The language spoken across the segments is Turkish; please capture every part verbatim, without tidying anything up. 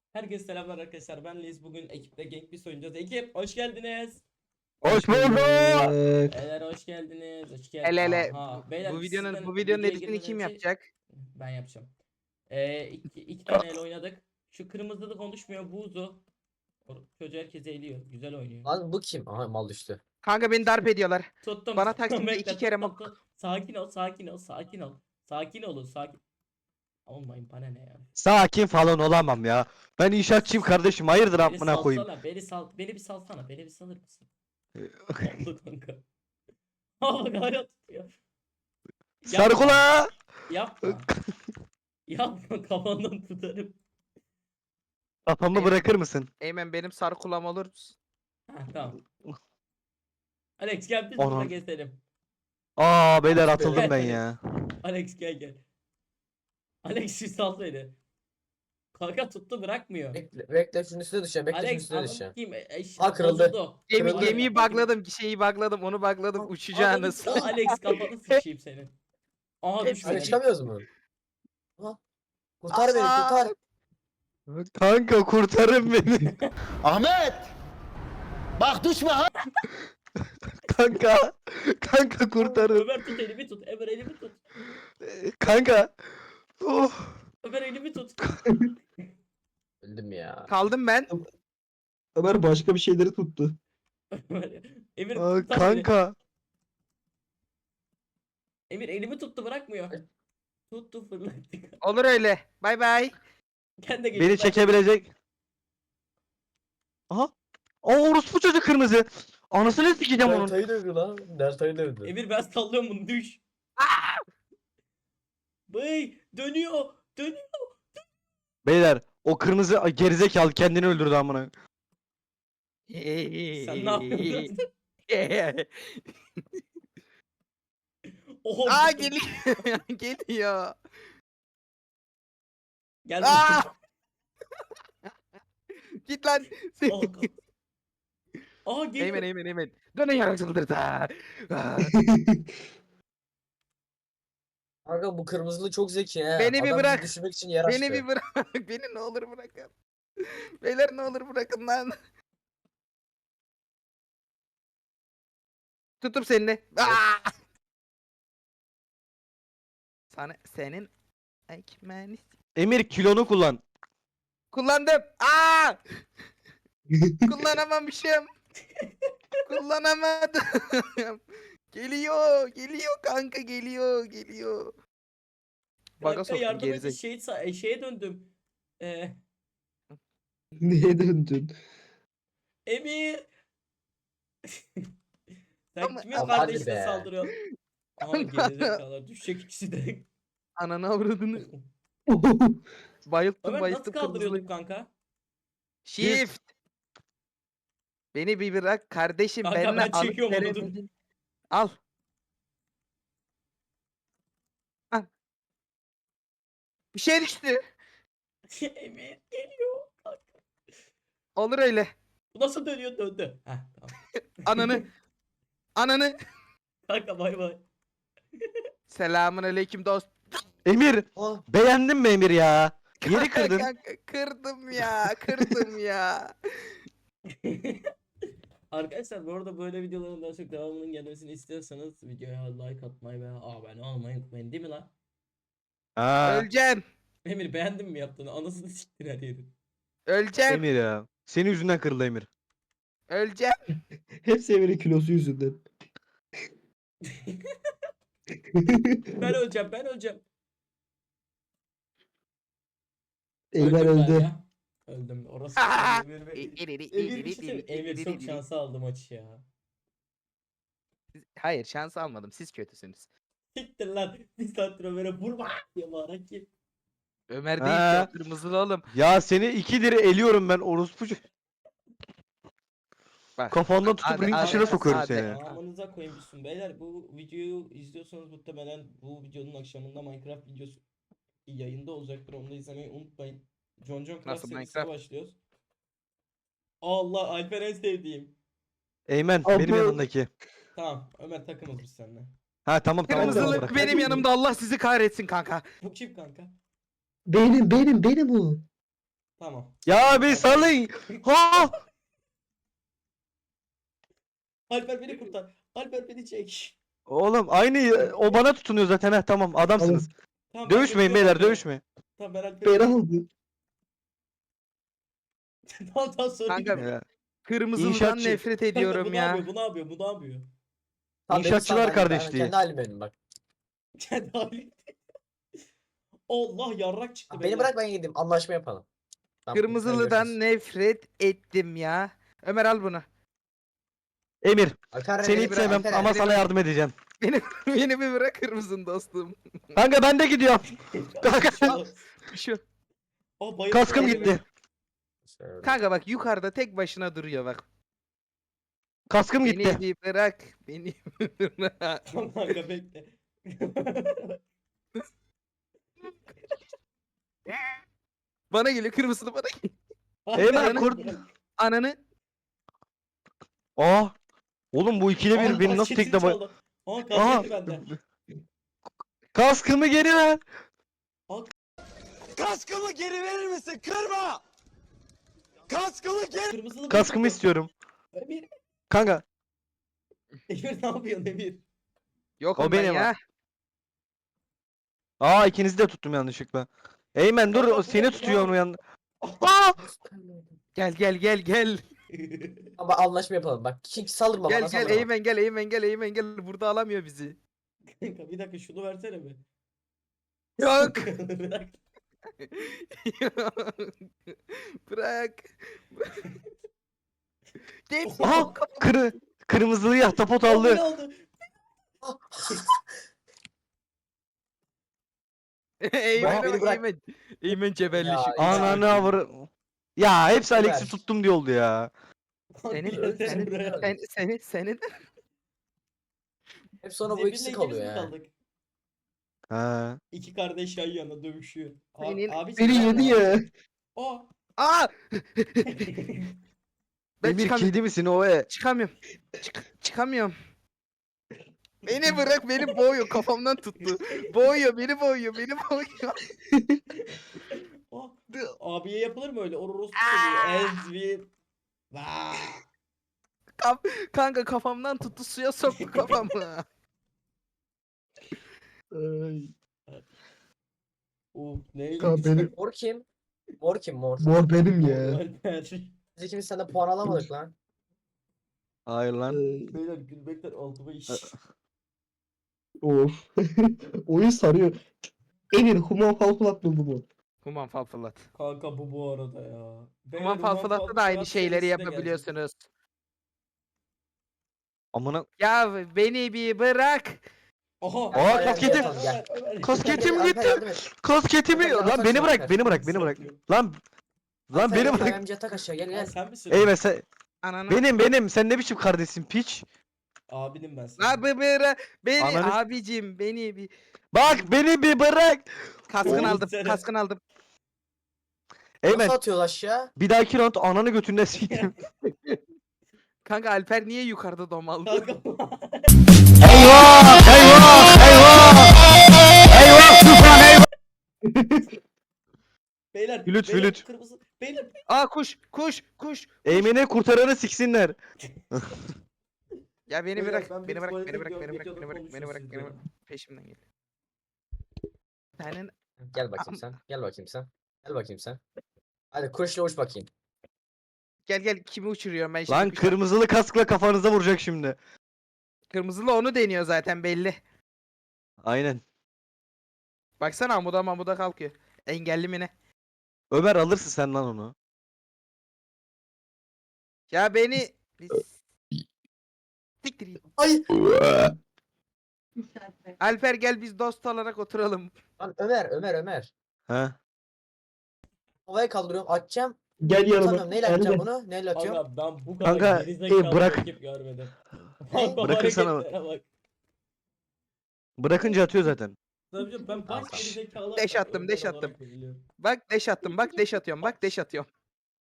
Herkese selamlar arkadaşlar. Ben Liz. Bugün ekiple Gank bir oynayacağız. Ekip hoş geldiniz. Hoş bulduk. Beyler hoş geldiniz. Hoş geldiniz. Hele hele bu, Aha. Beyler bu biz videonun sizden bu videonun videoya editini girmeden kim önce yapacak? ben yapacağım. Ee, iki, iki tane el oynadık. Şu kırmızılı konuşmuyor. Buzu. O çocuğu herkes eğiliyor. Güzel oynuyor. Lan bu kim? Aha mal düştü. Kanka beni darp ediyorlar. Tuttum. Bana tuttum, Taksim'de bekle, iki kere tuttum, mok. tut. Sakin ol. Sakin ol. Sakin ol. Sakin olun. Sakin. Olmayın bana ne ya. Sakin falan olamam ya. Ben inşaatçıyım kardeşim. Hayırdır Beni amına koyayım. salsana. Beni sal. Beni bir salsana. Beni bir salır mısın? Oldu kanka. Aa hala tutuyor. Sarkula. Yapma. Yapma kafandan tutarım. Kafamı bırakır mısın? Eymen benim sarkulam olur musun? Ha tamam. Alex gel biz Anam. burada gezelim. Aa beyler Abi, atıldım ben beyler. ya. Alex gel gel. Alex bir sal beni. Kanka tuttu bırakmıyor. Bekle, bekle şunun üstüne düşeceğim. Bekle şunun Alex üstüne anam düşeceğim. kim? Eş, Aa, kırıldı. bozuldu. Gemi, Kırıldı. gemiyi bugladım, şeyi bugladım, onu bugladım, Ananı uçacağınız. s- Alex kafanı sıçayım senin. Aha Hepsi- düşmedi. Hani çıkamıyoruz mu? Ha? Kurtar beni Aa! kurtar. Kanka kurtarın beni. Ahmet! Bak düşme ha! Kanka. Kanka kurtarın. Ömer tut elimi tut. Ömer elimi tut. Kanka. Oh. Ömer elimi tut. Öldüm ya. Kaldım ben. Ömer başka bir şeyleri tuttu. Ömer- Emir Aa, tutar beni. kanka. Emir elimi tuttu bırakmıyor. Ay. Tuttu fırlattı. Olur öyle. Bay bay. Kendi de Beni çekebilecek. Aha. Aa orospu çocuk kırmızı. Anasını sikeceğim onun. Delta'yı dövdü lan. Delta'yı dövdü. Emir ben sallıyorum bunu düş. Bey dönüyor. Dönüyor. Beyler o kırmızı ay, gerizekalı kendini öldürdü amına. Sen ne yapıyorsun? Oho. Aa geliyor. Geliyor. Gel. Aa! Git lan. Aha, kalk. Aha geliyor. Eymen Eymen Eymen. Dönün yarak çıldırdı. Aa. Kanka bu kırmızılı çok zeki he. Beni bir Adam bizi bırak. düşürmek için yer açtı. Beni bir bırak. Beni ne olur bırakın. Beyler ne olur bırakın lan. Tutup seni. Aa! Sana senin ekmeğini Emir kilonu kullan. kullandım. Aa! Kullanamamışım. Kullanamadım. Geliyor, geliyor kanka geliyor, geliyor. Baga Kanka soktum yardım et. gerizek. Şey, sa- şeye döndüm. Ee, Neye döndün? Emir. Sen Ama- kimin Ama hadi kardeşine be. saldırıyorsun? Aha Ama- gerizekalılar düşecek ikisi de. Ananı avradını. Bayılttım Ömer nasıl bayılttım kaldırıyorduk kırmızılı. kanka? Shift. Beni bir bırak kardeşim Kanka benimle ben alıp çekiyorum onu, dur. veremedin. Al. Al. Bir şey düştü. Emir geliyor. Kanka. Olur öyle. Bu nasıl dönüyor döndü. Heh tamam. Ananı. Ananı. Kanka bay bay. Selamun aleyküm dost. Emir Ah, beğendin mi Emir ya? Yeri kırdın. Kanka, kırdım ya, kırdım ya. Arkadaşlar bu arada böyle videoların daha çok devamının gelmesini istiyorsanız videoya like atmayı ve abone olmayı unutmayın değil mi lan? Ha, Öleceğim. Emir beğendin mi yaptığını? Anasını siktir her yeri. Öleceğim. Emir ya. Senin yüzünden kırıldı Emir. Öleceğim. Hepsi Emir'in kilosu yüzünden. Ben öleceğim ben öleceğim. Eymen Öldüm öldü. galiba. Öldüm. Orası Aa! Emir, Emir, İ- iriri, Emir, iriri, bir şey söyleyeyim. iriri, Emir çok iriri. şansı aldı maçı ya. Hayır şans almadım. Siz kötüsünüz. Siktir lan. Bir saattir Ömer'e vurma diye bağıran kim? Ömer değil Ha. ki o kırmızılı oğlum. Ya seni ikidir eliyorum ben orospu. ço- Bak. Kafandan tutup Hadi, ring hadi, dışına sokuyorum hadi. seni. Amanıza koymuşsun beyler. Bu videoyu izliyorsanız muhtemelen bu videonun akşamında Minecraft videosu yayında olacaktır. Onu da izlemeyi unutmayın. John John Craft Nasıl serisine Minecraft? başlıyoruz. Allah Alper en sevdiğim. Eymen Abi- benim yanındaki. Tamam Ömer takımız biz seninle. Ha tamam tamam. Kırmızılık bırak. benim yanımda Allah sizi kahretsin kanka. Bu kim kanka? Benim benim benim o. Tamam. Ya bir salın. Ha! Alper beni kurtar. Alper beni çek. Oğlum aynı o bana tutunuyor zaten ha tamam adamsınız. Tamam, ben Dövüşmeyin götürüyorum beyler Alper'i. dövüşmeyin. Tamam ben Alper'i Beni götürüyorum. aldı. Tamam tamam sorun Kanka, yok. Ya, Kırmızılıdan İnşaatçı. nefret Kanka, bu ediyorum ne ya. yapıyor? Bu ne yapıyor? Bu ne yapıyor? Tamam, beni İnşaatçılar sal, ben- ben kardeşliği. Kendi halim benim bak. Kendi hali. Allah yarrak çıktı Beni beyler. bırak ben gideyim. Anlaşma yapalım. Tamam, Kırmızılıdan görüşürüz. nefret ettim ya. Ömer al bunu. Emir Alper, seni beni hiç bırak, sevmem Alper, ama beni sana bırak. yardım edeceğim. Beni, beni bir bırakır mısın dostum? Kanka ben de gidiyorum. Kanka Şu. Aa, bayıldı. kaskım Bayıldı. gitti. Şöyle. Kanka bak yukarıda tek başına duruyor bak. Kaskım Beni gitti. bir bırak. Beni bir bırak. Tamam kanka bekle. Bana geliyor kırmızılı bana geliyor. Eyvah Alper, kurt. bırak. Ananı. Aa. Oğlum bu ikide Aa, bir beni nasıl kasketi tekle bay... çaldı. Aa Aha. kasketi bende. Kaskımı geri ver. Kaskımı geri verir misin? Kırma! Kaskımı geri... Kırmızılı Kaskımı bıçak. istiyorum. Emir. Kanka Emir ne yapıyorsun Emir? Yok O ondan benim ya. aa ikinizi de tuttum yanlışlıkla. Eymen dur Kanka, o bu seni ne? tutuyor Bu onu ne? yan. Aa! Gel gel gel gel. Ama anlaşma yapalım bak. Çünkü saldırma Gel bana, gel saldırma. Eymen gel Eymen gel Eymen gel. Burada alamıyor bizi. Kanka bir dakika şunu versene bir. Yok. Bırak. Bırak. Gel. Aha! Kırı kırmızılıyı ahtapot Aa, beni aldı. aldı. Eymen beni bak bırak. Eymen. Eymen cebelli Ya, şu. ya. Ananı avır. Ya hepsi Ver. Alex'i tuttum diye oldu ya. Senin Gelsene senin buraya. sen, senin senin Hep sonra Biz bu Emir'le ikisi ikimiz kalıyor mi ya. kaldık? Ha. İki kardeş yan yana dövüşüyor. Abi, Senin- abi Beni sen yedi ne ya. yapıyorsun? Aa. Aa! Ben Emir çıkamıyorum. kedi misin o e? Çıkamıyorum. Çık- çıkamıyorum. Beni bırak beni boğuyor kafamdan tuttu. Boğuyor beni boğuyor beni boğuyor. Aa. Abiye yapılır mı öyle? Orospu çocuğu. Ezvin. Vaa. Kanka kafamdan tuttu suya soktu kafamı. Ay. Uf neydi? Kanka benim, Mor kim? Mor kim mor? mor benim ya. Alper. Biz ikimiz senden puan alamadık lan. Hayır lan. Ay. Beyler gülmekten altıma iş. Of. Oyun sarıyor. Emir Human Falflat mı bu mu? Human falfalat. Kanka bu bu arada ya. Beyler, Human falfalatta da aynı Falfalat şeyleri serisi de yapabiliyorsunuz. Amına. Ya beni bir bırak. gelecek. Aha. Aa, Gel, kasketim. gel, gel. Ömer. Kasketim Alper, gitti. yardım et. Kasketimi. Alper, Lan yardım beni et, bırak Alper. beni bırak beni bırak. Saklıyor. Lan. Lan Alper, beni gel, bırak. Ayamcıya tak aşağı gel Aa, gel. sen misin? Eymen sen. Ananı. Benim benim. Sen ne biçim kardeşsin piç? Abinim ben senin. La bir bırak. Beni Ananı- abicim beni bir. Bak beni bir bırak. Kaskını Oğlum aldım sen- kaskını aldım. Eymen Nasıl atıyoruz aşağı? bir dahaki round ananı götünden sikeyim. Kanka Alper niye yukarıda domaldı? Kanka. Eyvah! Eyvah! Eyvah! Eyvah! Tufan eyvah! Beyler. Flüt, beyler, flüt. Kırmızı. Beyler. Aa kuş kuş kuş. Eymen'i kurtaranı siksinler. Ya beni Beyler, bırak, ben bir beni bırak, tuvalete beni bırak, gidiyorum, beni bırak, videoda beni bırak, beni bırak, konuşuruz beni ya. bırak. Peşimden gel. Senin Gel bakayım sen. Gel bakayım sen. Gel bakayım sen. Hadi kuşla uç bakayım. gel gel kimi uçuruyorum ben şimdi. Lan kuş- kırmızılı kaskla kafanıza vuracak şimdi. Kırmızılı onu deniyor zaten belli. Aynen. Baksana amuda mamuda kalkıyor. Engelli mi ne? Ömer alırsın sen lan onu. Ya beni Biz- Siktir git. Ay! Alper gel biz dost olarak oturalım. Lan Ömer Ömer Ömer. Ha? Havaya kaldırıyorum atacağım. Gel yanıma. Atamıyorum. Neyle atacağım Gel. bunu? Neyle atıyorum? Kanka ben bu kadar Kanka, gerizekalı e, bırak. rakip görmedim. Ne? Bak, Bırakırsana- hareketlere bak. Bırakınca atıyor zaten. Tabii canım, ben baş gerizekalı. Deş attım, deş olarak attım. biliyorum. Bak deş attım, bak deş atıyorum, bak deş atıyorum.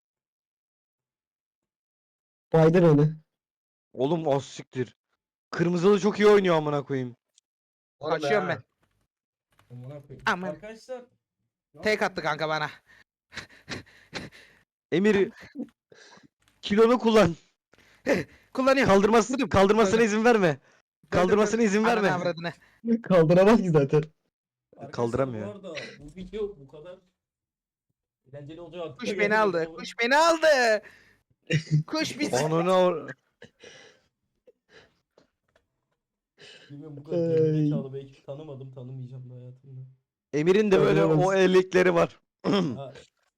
Baydır onu. Oğlum az siktir. Kırmızılı çok iyi oynuyor amına koyayım. Oğlum Kaçıyorum ya. ben. Aman koyayım. Aman. Arkadaşlar. Tek attı kanka bana. Emir kilonu kullan. Kullanıyorum. Kaldırmasını kaldırmasına izin verme. Kaldırmasına izin Ananı verme. avradını. Kaldıramaz ki zaten. Arkadaşlar Kaldıramıyor. bu arada bu video bu kadar eğlenceli olacak. aklıma Kuş beni gelmedi. aldı. Ama- Kuş beni aldı. Kuş bizi. Onunu or- Bilmiyorum bu kadar Ay. gerizekalı belki tanımadım tanımayacağım da hayatımda. Emir'in de böyle o Kaldıramamış. ellikleri var. Ha,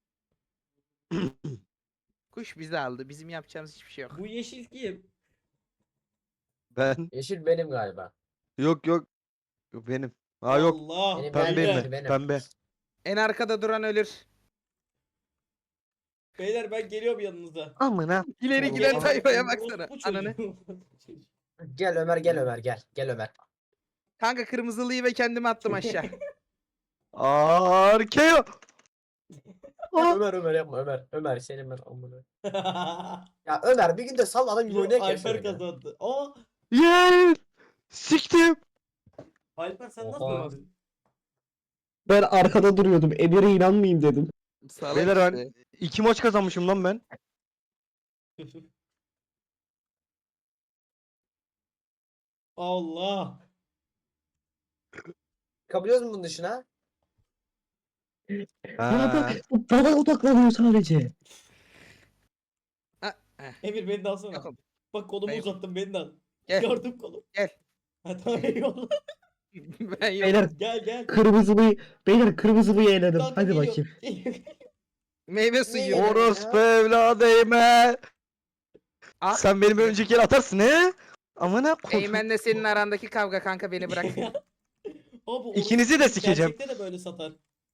Kuş bizi aldı. Bizim yapacağımız hiçbir şey yok. bu yeşil kim? Ben Yeşil benim galiba. yok yok. Yok benim. Ha yok. Allah. Benim Pembeyim benim, ben. benim. Pembe. En arkada duran ölür. Beyler ben geliyorum yanınıza. Amına. İleri Oğlum, giden ama- tayfaya Orospu baksana. çocuğu. Ananı. Gel Ömer gel Ömer gel. Gel Ömer. Kanka kırmızılıyı ve kendimi attım aşağı. Arkeo. Ömer Ömer yapma Ömer. Ömer senin ben amına. Ya Ömer bir gün de sal adam gibi Yok, oynayacak Alper şöyle. kazandı. Aa, Yes. Siktim. Alper sen nasıl Oha. öldün? Ben arkada duruyordum. Emir'e inanmayayım dedim. Salak Beyler ben işte. iki maç kazanmışım lan ben. Allah. Kapıyoruz mu bunun dışına? Bana Ha. bak. Bana odaklanıyor sadece. Emir beni de alsana. Yok oğlum. Bak kolumu Ben yok. uzattım beni de al. Gel. Gördüm kolu. Gel. Ha tamam eyvallah. Ben yok. Beyler Gel gel. kırmızılıyı. Beyler kırmızılıyı eledim. Kanka, Hadi geliyorum. bakayım. Meyve suyu. Or- Orospu evladı Eymen. Ah. Sen benim önceki el atarsın he? Amına koyayım. Eymen'le senin arandaki kavga kanka beni bırak. Abi, bu İkinizi de orospu sikeceğim. Gerçekte de böyle satar.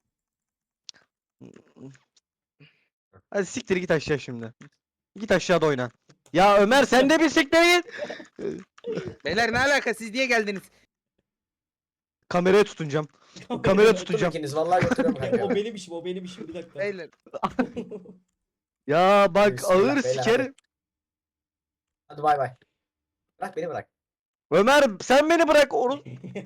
Hadi siktir git aşağı şimdi. Git aşağıda oyna. Ya Ömer sen de bir siktir git. Beyler ne alaka siz niye geldiniz? Kameraya tutunacağım. Kamera Götürün tutacağım. ikiniz vallahi götürüyorum o kanka. benim işim o benim işim bir dakika. Beyler. Ya bak Bismillah, ağır beyler, sikerim. Hadi bay bay. Bırak beni bırak. Ömer sen beni bırak. Oru...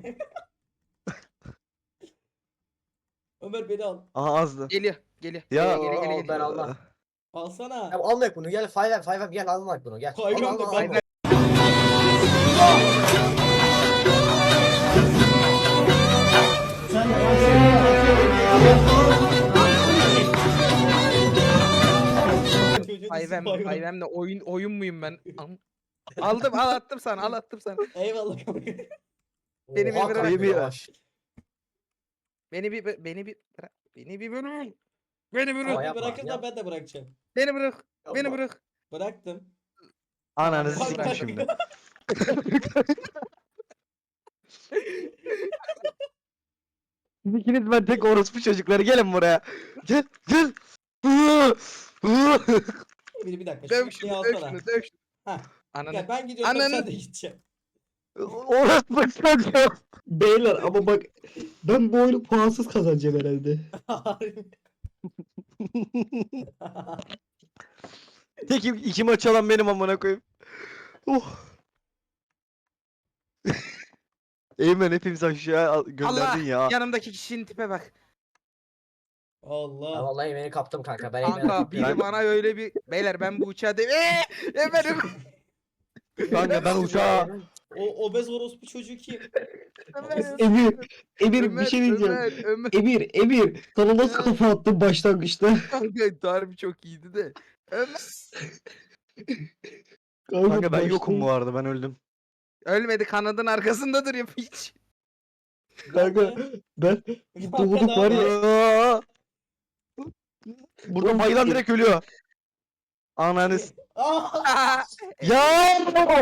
Ömer beni al. Aha azdı. Geliyor. Geliyor. Ya Geliyor, geliyor, al, geliyor, ben geliyor. almam. Alsana. Ya almayak bunu gel five em five em gel almayak bunu gel. Five Al, em al, de al, kanka. al. Çocuğun ismi Hayvem, Bayram. hayvemle oyun oyun muyum ben? Am- Aldım, al attım sana, al attım sana. Eyvallah kanka. Beni bir Oha, bırak. kanka, Bir- yavaş. Beni bir beni bir bırak. Beni bir bırak. Beni Ama bırak. yapma, Bırakırsan yapma. ben de bırakacağım. Beni bırak. Beni Yapma. bırak. Bıraktım. Ananızı Bak, siktim bak. şimdi. Siz ikiniz ben tek orospu çocukları gelin buraya. Gel gel. Bir, bir dakika. Döv Şu şunu, şunu döv alsana. şunu, döv şunu. Heh. Ananı. Ya ben gidiyorum Ananı- sen de gideceksin. Orospu çocuğu. Beyler ama bak. Ben bu oyunu puansız kazanacağım herhalde. Tek iki maç alan benim amına koyayım. Oh. Eymen hepimiz aşağı al- gönderdin Allah, ya. yanımdaki kişinin tipe bak. Ya Allah. vallahi beni kaptım kanka. Ben Eymen'e Kanka biri Ben- bana öyle bir... Beyler ben bu uçağa de... Eee! Efendim! Kanka ben uçağa O obez orospu çocuğu kim? Emir. Emir Ömer, bir şey diyeceğim. Ömer, Ömer. Emir, Emir. Sana nasıl kafa attın başlangıçta? Kanka harbi çok iyiydi de. Ömer. kanka ben baştan- yokum bu arada ben öldüm. Ölmedi, kanadın arkasında duruyor hiç. Kanka ben Kanka doğduk ne var ya. yapıyorsun? Aa! Burada Oğlum, bayılan dur. direkt ölüyor. Ananız. Aa! Ya!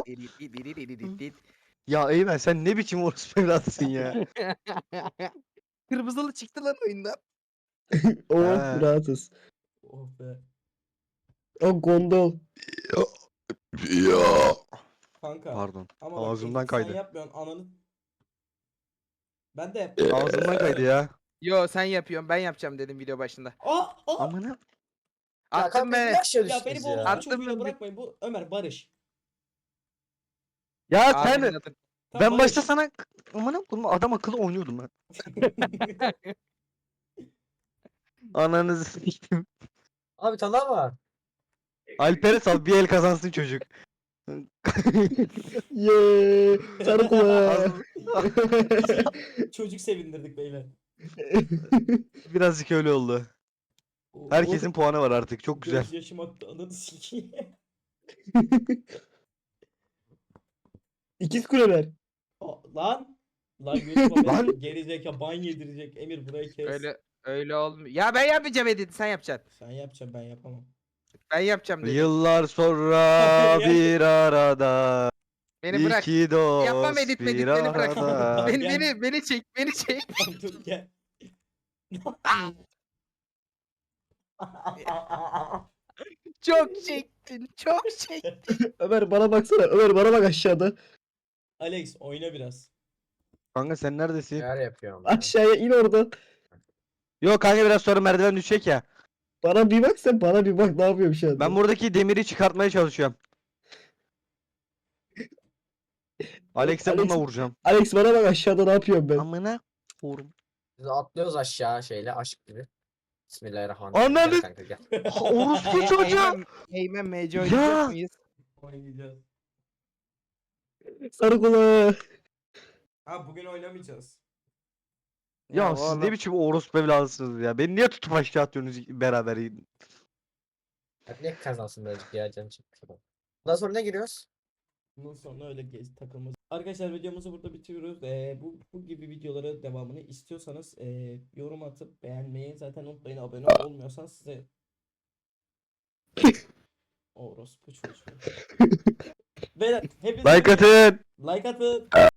Ya Eymen sen ne biçim orospu evladısın ya. Kırmızılı çıktı lan oyundan. Oh Ha. rahatız. Oh be. O gondol. Ya. Kanka. Pardon. Ama bak, ağzımdan sen kaydı. yapmıyorsun ananı. Ben de. Ağzımdan kaydı ya. Yo sen yapıyorsun, ben yapacağım dedim video başında. Aa! Aa! Amına. Ya Attım kanka be. niye aşağı Ya düştünüz beni bu ya? orospu Attım çocuğuyla ben bir- bırakmayın. Bu Ömer Barış. Ya Abi, sen zaten- Tamam, ben Barış. başta sana amına koyayım adam akıllı oynuyordum ben. Ananızı siktim. Abi bir tane daha var. Alper'e sal bir el kazansın çocuk. Yeee. Sarı kulağı. Çocuk sevindirdik beyler. Birazcık öyle oldu. O- Herkesin o- puanı var artık. Çok güzel. Gözyaşım aktı ananı sikeyim. İkiz kuleler. Aa, Lan. Lan YouTube'a Lan. beni geri zeka ban yedirecek. Emir burayı kes. Öyle öyle olmuyor. Ya ben yapmayacağım edit sen yapacaksın. Sen yapacaksın ben yapamam. Ben yapacağım dedim. Yıllar sonra Ya. bir arada. Beni bırak. İki dost Yapmam edit bir medit beni bırak. arada. Beni, Gel. beni, beni çek beni çek. Tamam dur gel. Çok çektin çok çektin. Ömer bana baksana. Ömer bana bak aşağıda. Alex oyna biraz. Kanka sen neredesin? Neler yapıyorum ya. Aşağıya in oradan. Yok kanka biraz sonra merdiven düşecek ya. Bana bir bak sen bana bir bak ne yapıyorum şu anda. Ben buradaki demiri çıkartmaya çalışıyorum. Alex'e Alex- bununla vuracağım. Alex bana bak aşağıda ne yapıyorum ben. Amına vurum. Biz atlıyoruz aşağı şeyle aşk gibi. Bismillahirrahmanirrahim. Ananı- Gel kanka gel. Orospu çocuğu. Eymen, Eymen M C Ya. oynayacak mıyız? Oynayacağız. Sarı kulağı. Ha bugün oynamayacağız. Ya siz oğlum. ne biçim orospu evladısınız ya. Beni niye tutup aşağı atıyorsunuz beraber? Hadi ne kazansın birazcık ya canım çekmiş adam. Bundan sonra ne giriyoruz? Bundan sonra öyle gez takılmaz. Arkadaşlar videomuzu burada bitiriyoruz. Ee, bu, bu gibi videolara devamını istiyorsanız ee, yorum atıp beğenmeyi zaten unutmayın. Abone olmuyorsanız size orospu çocuğu. Beyler hepiniz Like atın. like atın.